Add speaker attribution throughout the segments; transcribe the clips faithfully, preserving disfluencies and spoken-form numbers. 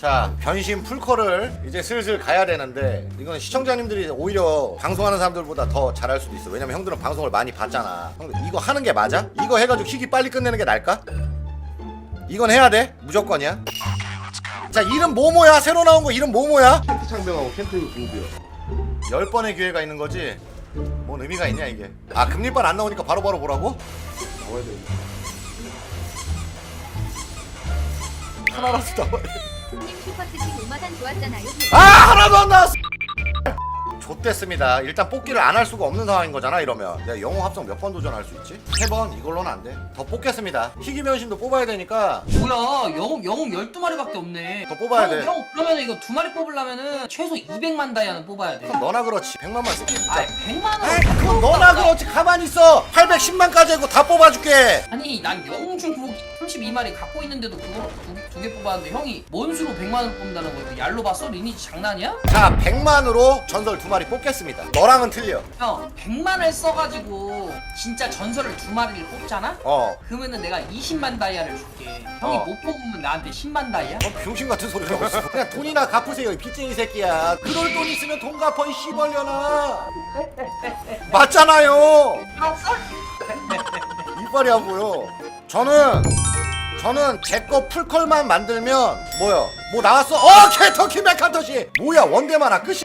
Speaker 1: 자, 변신 풀컬을 이제 슬슬 가야 되는데 이건 시청자님들이 오히려 방송하는 사람들보다 더 잘할 수도 있어. 왜냐면 형들은 방송을 많이 봤잖아. 형들 이거 하는 게 맞아? 이거 해가지고 희귀 빨리 끝내는 게 나을까? 이건 해야 돼. 무조건이야. 자, 이름 뭐뭐야? 새로 나온 거 이름 뭐뭐야?
Speaker 2: 켄트 창병하고 켄트 공비요.
Speaker 1: 열 번의 기회가 있는 거지. 뭔 의미가 있냐 이게. 아, 금리빨 안 나오니까 바로바로 보라고?
Speaker 2: 나와야 돼.
Speaker 1: 하나라도 나와야 돼.
Speaker 3: 형님 슈퍼채팅 오마단 좋았잖아요.
Speaker 1: 아, 하나도 안 나왔어. 좆됐습니다. 일단 뽑기를 안 할 수가 없는 상황인 거잖아. 이러면 내가 영웅 합성 몇 번 도전할 수 있지? 세 번? 이걸로는 안 돼. 더 뽑겠습니다. 희귀 변신도 뽑아야 되니까
Speaker 4: 뭐야 영웅 영웅 열두 마리밖에 없네.
Speaker 1: 더 뽑아야
Speaker 4: 형,
Speaker 1: 돼.
Speaker 4: 형 그러면 이거 두 마리 뽑으려면은 최소 이백만 다이아는 뽑아야 돼.
Speaker 1: 그럼 너나 그렇지. 백만만 쓰기.
Speaker 4: 아 백만 원.
Speaker 1: 아이, 그럼 너나 그렇지. 가만히 있어. 팔백십만까지 하고 다 뽑아줄게.
Speaker 4: 아니 난 영웅 중국 삼십이 마리 갖고 있는데도 그거 두 개 뽑았는데 형이 뭔 수로 백만 원 뽑는다는 거야? 얄로 봤어? 리니지 장난이야?
Speaker 1: 자, 백만으로 전설 두 마리 뽑겠습니다. 너랑은 틀려.
Speaker 4: 형 백만을 써가지고 진짜 전설을 두 마리를 뽑잖아?
Speaker 1: 어.
Speaker 4: 그러면은 내가 이십만 다이아를 줄게. 형이
Speaker 1: 어.
Speaker 4: 못 뽑으면 나한테 십만 다이아?
Speaker 1: 어, 병신 같은 소리를 하고 있어. 그냥 돈이나 갚으세요, 이 빚쟁이 새끼야. 그럴 돈 있으면 돈 갚어, 이 씨발려나. 맞잖아요. 이빨이 안 보여. 저는 저는 제 거 풀컬만 만들면 뭐야? 뭐 나왔어? 어, 캐터키 메카터시. 뭐야, 원대만 아 끝이.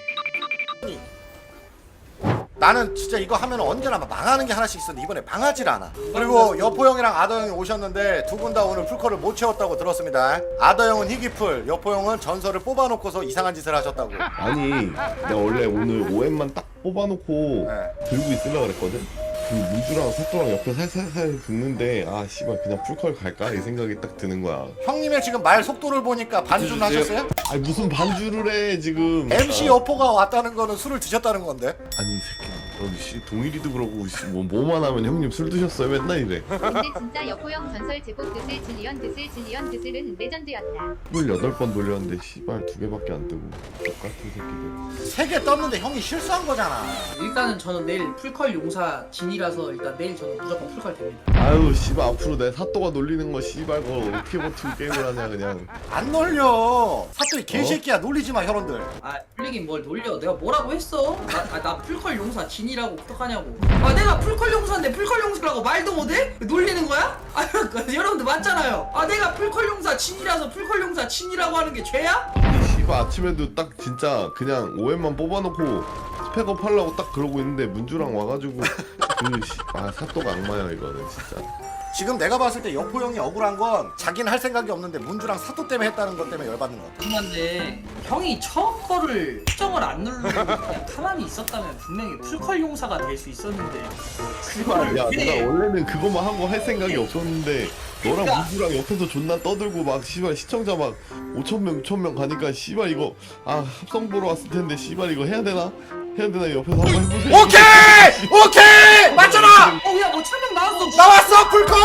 Speaker 1: 나는 진짜 이거 하면 언제나 망하는 게 하나씩 있었는데 이번에 망하질 않아. 그리고 여포 형이랑 아더 형이 오셨는데 두 분 다 오늘 풀컬을 못 채웠다고 들었습니다. 아더 형은 희귀풀, 여포 형은 전설을 뽑아놓고서 이상한 짓을 하셨다고.
Speaker 2: 아니, 내가 원래 오늘 오엠만 딱 뽑아놓고
Speaker 1: 네.
Speaker 2: 들고 있으려고 그랬거든? 그 문주랑 사또랑 옆에 살살살 긁는데 아 씨발 그냥 풀컬 갈까? 이 생각이 딱 드는 거야.
Speaker 1: 형님의 지금 말 속도를 보니까 반주는 하셨어요?
Speaker 2: 아니 무슨 반주를 해 지금.
Speaker 1: 엠씨
Speaker 2: 어.
Speaker 1: 여포가 왔다는 거는 술을 드셨다는 건데.
Speaker 2: 아니 이 새끼 너 씨 동일이도 그러고 씨, 뭐 뭐만 하면 형님 술 드셨어요 맨날 이래.
Speaker 3: 근데 진짜 여포형 전설 제복 드슬 질리언 드슬 질리언 드슬은 레전드였다.
Speaker 2: 스물여덟 번 돌렸는데 씨발 두 개밖에 안 뜨고 똑같은 새끼들.
Speaker 1: 세 개 떴는데 형이 실수한 거잖아.
Speaker 4: 일단은 저는 내일 풀컬 용사 진이라서 일단 내일 저는 무조건 풀컬 됩니다.
Speaker 2: 아유 씨발 앞으로 내 사또가 놀리는 거 씨발 그거 어떻게 버티고 게임을 하냐 그냥.
Speaker 1: 안 놀려. 사또이 개새끼야. 놀리지 마, 혈원들.
Speaker 4: 아 풀리긴 뭘 놀려. 내가 뭐라고 했어? 나, 아, 나 풀컬 용사 진이라고 어떡하냐고. 아 내가 풀컬 용사인데 풀컬 용사라고 말도 못해? 놀리는 거야? 아 여러분들 맞잖아요. 아 내가 풀컬 용사 진이라서 풀컬 용사 진이라고 하는 게 죄야?
Speaker 2: 이 씨발 아침에도 딱 진짜 그냥 오엠만 뽑아놓고 스펙업 하려고 딱 그러고 있는데 문주랑 와가지고 그아 사또가 악마야 이거는 진짜.
Speaker 1: 지금 내가 봤을 때 여포 형이 억울한 건 자기는 할 생각이 없는데 문주랑 사또 때문에 했다는 것 때문에 열받는 거 같아.
Speaker 4: 그런데 형이 처음 거를 수정을 안 누르고 그냥 가만히 있었다면 분명히 풀컬 용사가 될 수 있었는데 그거를
Speaker 2: 야
Speaker 4: 왜-
Speaker 2: 내가 원래는 그것만 하고 할 생각이 없었는데 너랑
Speaker 4: 그러니까.
Speaker 2: 문주랑 옆에서 존나 떠들고 막 씨발 시청자 막 오천 명 육천 명 가니까 씨발 이거 아 합성 보러 왔을 텐데 씨발 이거 해야 되나? 해야 되나 옆에서 한번 해보세요.
Speaker 1: 오케이! 오케이! 맞잖아!
Speaker 4: 어야 뭐 천명 나왔어.
Speaker 1: 나왔어, 풀컬!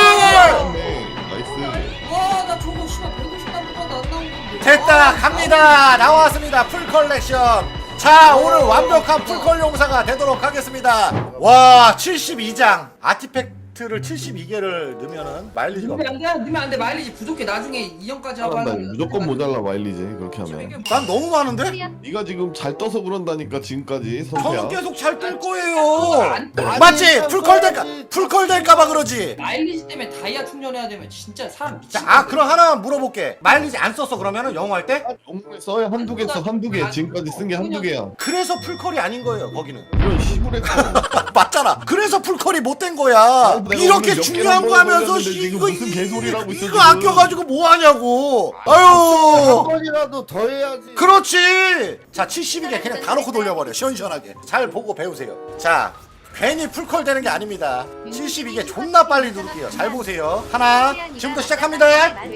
Speaker 2: 네, 나이스.
Speaker 4: 와나 저거 씨발 백오십 단보다 안 나온 건데.
Speaker 1: 됐다,
Speaker 4: 와,
Speaker 1: 갑니다. 나왔습니다, 풀 컬렉션. 자, 오늘 완벽한 풀컬 용사가 되도록 하겠습니다. 와, 칠십이 장. 아티팩트를 칠십이 개를 넣으면은 마일리지가
Speaker 4: 넣으면
Speaker 1: 없어.
Speaker 4: 안 돼, 넣으면 안 돼. 마일리지 부족해. 나중에 이 년까지 하고
Speaker 2: 나
Speaker 4: 하는
Speaker 2: 무조건 모자라 마일리지 그렇게 하면.
Speaker 1: 난 너무 많은데?
Speaker 2: 네가 지금 잘 떠서 그런다니까 지금까지
Speaker 1: 저는
Speaker 2: 선태야.
Speaker 1: 계속 잘 뜰 거예요.
Speaker 4: 안- 아니,
Speaker 1: 맞지?
Speaker 2: 아니,
Speaker 1: 풀컬 될까?
Speaker 2: 아니,
Speaker 1: 풀컬 될까봐 그러지.
Speaker 4: 마일리지 때문에 다이아 충전해야 되면 진짜 사람 미친.
Speaker 1: 자, 아, 그럼 하나 물어볼게. 마일리지 안 썼어, 그러면은 영어 할 때?
Speaker 2: 영웅에 써야 한두 개 써, 한두 개. 지금까지 쓴 게 한두 개야.
Speaker 1: 그래서 풀컬이 아닌 거예요, 거기는.
Speaker 2: 이런 시골에
Speaker 1: 맞잖아. 그래서 풀컬이 못 된 거야.
Speaker 2: 아, 내가
Speaker 1: 이렇게
Speaker 2: 오늘 몇
Speaker 1: 중요한
Speaker 2: 개나
Speaker 1: 거 하면서
Speaker 2: 먹었는데
Speaker 1: 씨,
Speaker 2: 지금
Speaker 1: 이거
Speaker 2: 무슨 개소리를 하고 있어,
Speaker 1: 이거
Speaker 2: 지금.
Speaker 1: 아껴가지고 뭐 하냐고.
Speaker 5: 한
Speaker 1: 아유.
Speaker 5: 번이라도 더 해야지.
Speaker 1: 그렇지. 자, 칠십이 개 그냥 다 놓고 돌려버려. 시원시원하게. 잘 보고 배우세요. 자, 괜히 풀컬 되는 게 아닙니다. 칠십이 개 존나 빨리 누를게요. 잘 보세요. 하나. 지금부터 시작합니다.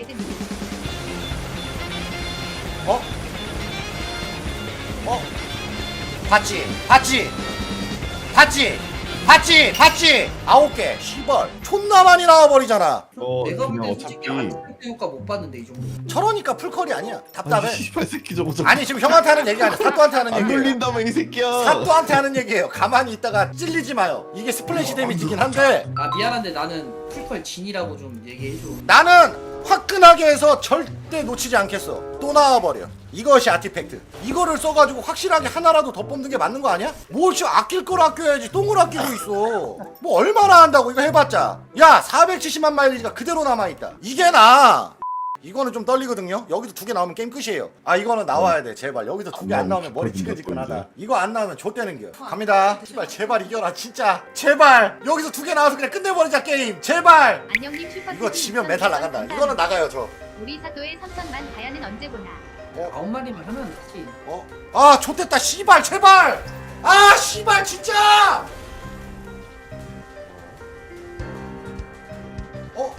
Speaker 1: 어? 어? 봤지? 봤지? 봤지? 봤지? 봤지? 아홉 개. 시벌. 존나 많이 나와버리잖아.
Speaker 2: 어
Speaker 4: 내가 볼
Speaker 2: 그냥
Speaker 4: 때
Speaker 2: 어차피
Speaker 4: 솔직히 아티팩트 효과 못 봤는데 이 정도.
Speaker 1: 저러니까 풀컬이 아니야. 답답해.
Speaker 2: 아니 씨발 새끼 저거 저
Speaker 1: 아니, 지금 형한테 하는 얘기 아니야. 사또한테 하는
Speaker 2: 안
Speaker 1: 얘기예요.
Speaker 2: 돌린다며 이 새끼야.
Speaker 1: 사또한테 하는 얘기예요. 가만히 있다가 찔리지 마요. 이게 스플래시 데미지긴 한데
Speaker 4: 아 미안한데 나는 풀컬 진이라고 좀 얘기해줘.
Speaker 1: 나는 화끈하게 해서 절대 놓치지 않겠어. 또 나와버려. 이것이 아티팩트. 이거를 써가지고 확실하게 하나라도 더 뽑는 게 맞는 거 아니야? 뭘 씨 아낄 걸 아껴야지 똥을 아끼고 있어. 뭐 얼마나 한다고 이거 해봤자. 야 사백칠십만 마일리지가 그대로 남아있다. 이게 나. 이거는 좀 떨리거든요. 여기서 두 개 나오면 게임 끝이에요. 아 이거는 나와야 돼 제발. 여기서 두 개 안 나오면 머리 지끈지끈하다. 이거 안 나오면 좆되는겨. 갑니다. 제발 제발 이겨라 진짜. 제발 여기서 두 개 나와서 그냥 끝내버리자 게임. 제발.
Speaker 3: 안녕님 슈퍼
Speaker 1: 이거 지면 메탈 나간다. 이거는 나가요 저.
Speaker 3: 우리 사또의 삼천만 다이아는 언제 보나.
Speaker 4: 아홉 마리만 하면 되지.
Speaker 1: 어? 아 좆됐다 씨발 제발. 아 씨발 진짜. 어?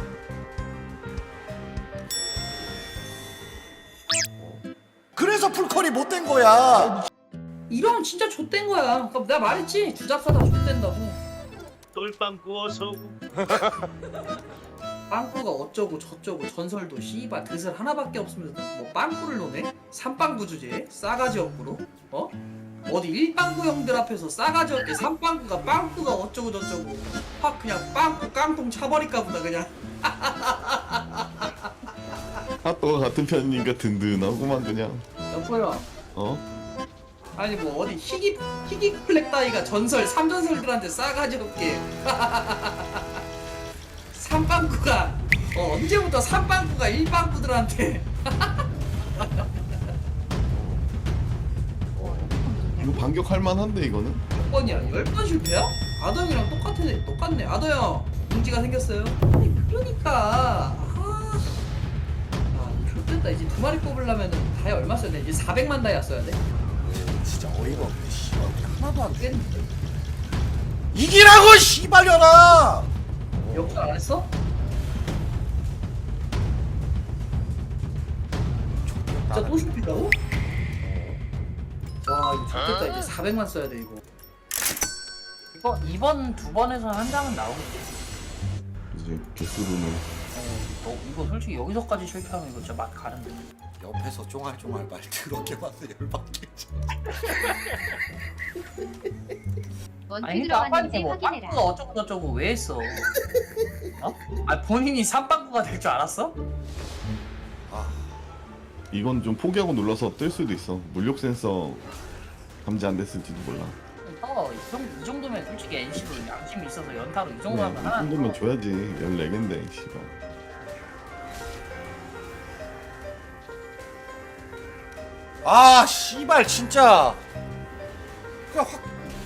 Speaker 1: 그래서 풀컬이 못 된 거야.
Speaker 4: 이러면 진짜 좆된 거야. 그러니까 내가 말했지. 주잡사다 좆된다고.
Speaker 5: 똘빵 구워서
Speaker 4: 빵꾸가 어쩌고 저쩌고 전설도 씨발 드슬 하나밖에 없으면서 뭐 빵꾸를 노네? 삼빵구 주제에? 싸가지 없구로? 어? 어디 일빵구 형들 앞에서 싸가지 없게 삼빵구가 빵꾸가 어쩌고 저쩌고 확 그냥 빵꾸 깡통 차버릴까 보다 그냥.
Speaker 2: 핫도그 같은 편이니까 든든하구만 그냥.
Speaker 4: 여보야
Speaker 2: 어?
Speaker 4: 아니 뭐 어디 희귀 희귀 플렉 따위가 전설 삼전설들한테 싸가지 없게 삼빵구가 어, 언제부터 삼빵구가 일빵구들한테
Speaker 2: 이거 반격할 만한데 이거는?
Speaker 4: 몇 번이야? 열 번 실패야? 아더형이랑 똑같네 똑같네. 아더형 문제가 생겼어요. 아니 그러니까 아, 아 좋겠다. 이제 두 마리 뽑으려면 다이 얼마 써야 돼? 이제 사백만 다이아 써야 돼?
Speaker 1: 진짜 어이가 없네 씨발.
Speaker 4: 하나도 안 깼는데
Speaker 1: 이기라고 씨발려나.
Speaker 4: 역전 안 했어? 진짜 또 실패다고? 와 이거 좋겠다. 이제 사백만 써야 돼 이거.
Speaker 6: 이거 이번 두 번에서 한 장은 나오겠지.
Speaker 2: 이제 개수로는
Speaker 6: 어, 너 이거 솔직히 여기서까지 실패하면 이거 진짜 맛 가는데.
Speaker 1: 옆에서 쫑알쫑알 말 더럽게 봐서 열받겠지.
Speaker 3: 원투
Speaker 6: 아니 그러니까 아빠한테
Speaker 3: 들어갔는지
Speaker 6: 뭐
Speaker 3: 확인해라.
Speaker 6: 빵꾸가 어쩌고 저쩌고 왜 했어? 어? 아 본인이 삼빵꾸가 될 줄 알았어?
Speaker 2: 이건 좀 포기하고 눌러서 뜰 수도 있어. 물력 센서 감지 안 됐을지도 몰라.
Speaker 6: 어, 이, 정도, 이 정도면 솔직히 엔씨도 양심이 있어서 연타로 이 정도
Speaker 2: 그래,
Speaker 6: 하면
Speaker 2: 이
Speaker 6: 하나.
Speaker 2: 정도면 줘야지. 열네 개인데 씨발.
Speaker 1: 아 씨발 진짜. 그냥 확.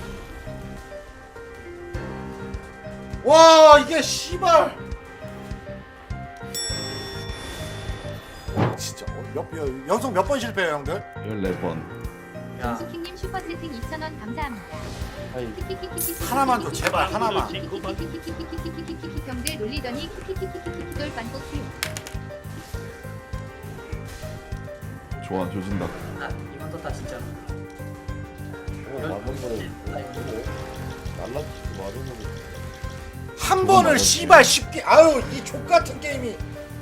Speaker 1: 와 이게 씨발. 진짜 어, 몇, 몇 연속 몇 번 실패해요 형들?
Speaker 2: 열네 번.
Speaker 6: 야,
Speaker 3: 정수킹님 슈퍼채팅 이천 원 감사합니다.
Speaker 1: 하나만 줘 제발 하나만.
Speaker 3: 형들 놀리더니 돌반복 수용.
Speaker 2: 좋아 조진다.
Speaker 6: 나 이번 떴다 진짜.
Speaker 1: 한 번을 씨발 쉽게. 아유 이 족같은 게임이.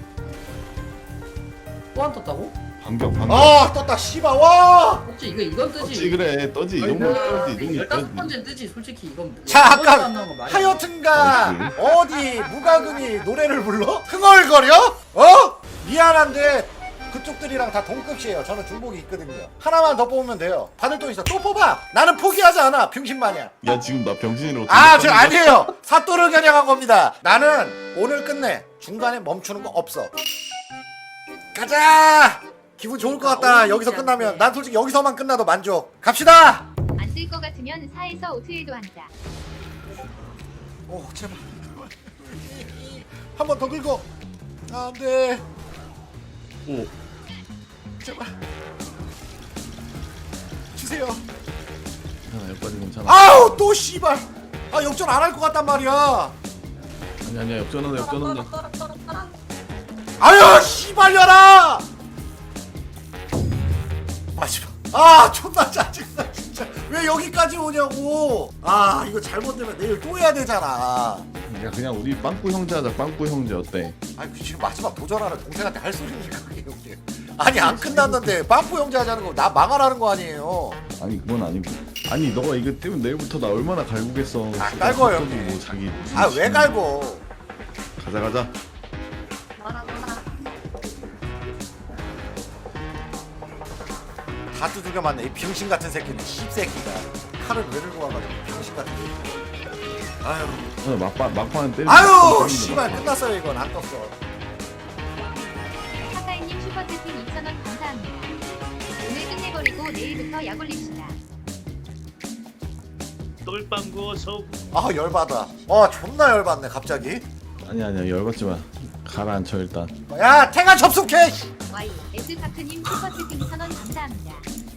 Speaker 4: 또 안 떴다고?
Speaker 2: 반격 반격.
Speaker 1: 아 떴다 씨발 와.
Speaker 4: 그렇지 이거 이건 뜨지.
Speaker 2: 떠지 그래 떠지. 이 정도 떠지. 이 정도
Speaker 4: 열다섯
Speaker 2: 떠지.
Speaker 4: 번째는 뜨지 솔직히 이건.
Speaker 1: 자
Speaker 4: 열 번째
Speaker 1: 아까
Speaker 4: 안 나온 거 말이야.
Speaker 1: 하여튼간 어디 무가금이 노래를 불러? 흥얼거려? 어? 미안한데 그쪽들이랑 다 동급이에요. 저는 중복이 있거든요. 하나만 더 뽑으면 돼요. 받을 돈 있어. 또 뽑아. 나는 포기하지 않아. 병신마냥.
Speaker 2: 야 지금 나 병신으로.
Speaker 1: 아, 저 아니에요. 사또를 겨냥한 겁니다. 나는 오늘 끝내. 중간에 멈추는 거 없어. 가자. 기분 좋을 것 같다. 여기서 끝나면 난 솔직히 여기서만 끝나도 만족. 갑시다.
Speaker 3: 안 쓸 것 같으면 사에서 오트일도 한다.
Speaker 1: 오 제발. 한 번 더 긁어. 아, 안 돼.
Speaker 2: 오.
Speaker 1: 제발. 주세요.
Speaker 2: 괜찮아 여기까지 괜찮아.
Speaker 1: 아우 또 씨발. 아 역전 안 할 것 같단 말이야.
Speaker 2: 아니 아니야 역전한다 역전한다.
Speaker 1: 아유 씨발려라. 마지막. 아 존나 짜증나 진짜. 왜 여기까지 오냐고. 아 이거 잘못되면 내일 또 해야 되잖아.
Speaker 2: 야 그냥 우리 빵꾸 형제 하자. 빵꾸 형제 어때?
Speaker 1: 아니 그 지금 마지막 도전하는 동생한테 할 소리니까 그게 형님. 아니 안 끝났는데 빵꾸 형제 하자는 거 나 망하라는 거 아니에요.
Speaker 2: 아니 그건 아니고. 아니 너가 이거 때문에 내일부터 나 얼마나 갈구겠어.
Speaker 1: 아, 깔고요,
Speaker 2: 갑자기
Speaker 1: 형님.
Speaker 2: 뭐 자기.
Speaker 1: 아 왜 갈고.
Speaker 2: 가자 가자.
Speaker 3: 뭐라 뭐라.
Speaker 1: 다 두들겨 맞네 이 병신 같은 새끼는 씹새끼가. 칼을 왜 들고 와가지고 병신 같은 새끼. 아유
Speaker 7: 어, 막판 막판 때리.
Speaker 1: 아유 씨발 끝났어요 이건 안 떴어.
Speaker 3: 카카이님 슈퍼채팅 이천 원 감사합니다. 오늘 끝내버리고 내일부터 약 올립시다.
Speaker 5: 똘빵 구워서
Speaker 1: 아 열받아. 아 존나 열받네 갑자기.
Speaker 7: 아니 아니야 열받지 마. 가라앉혀 일단.
Speaker 1: 야 탱아 접속해.
Speaker 3: 와이 에스타크님 슈퍼채팅 천 원 감사합니다.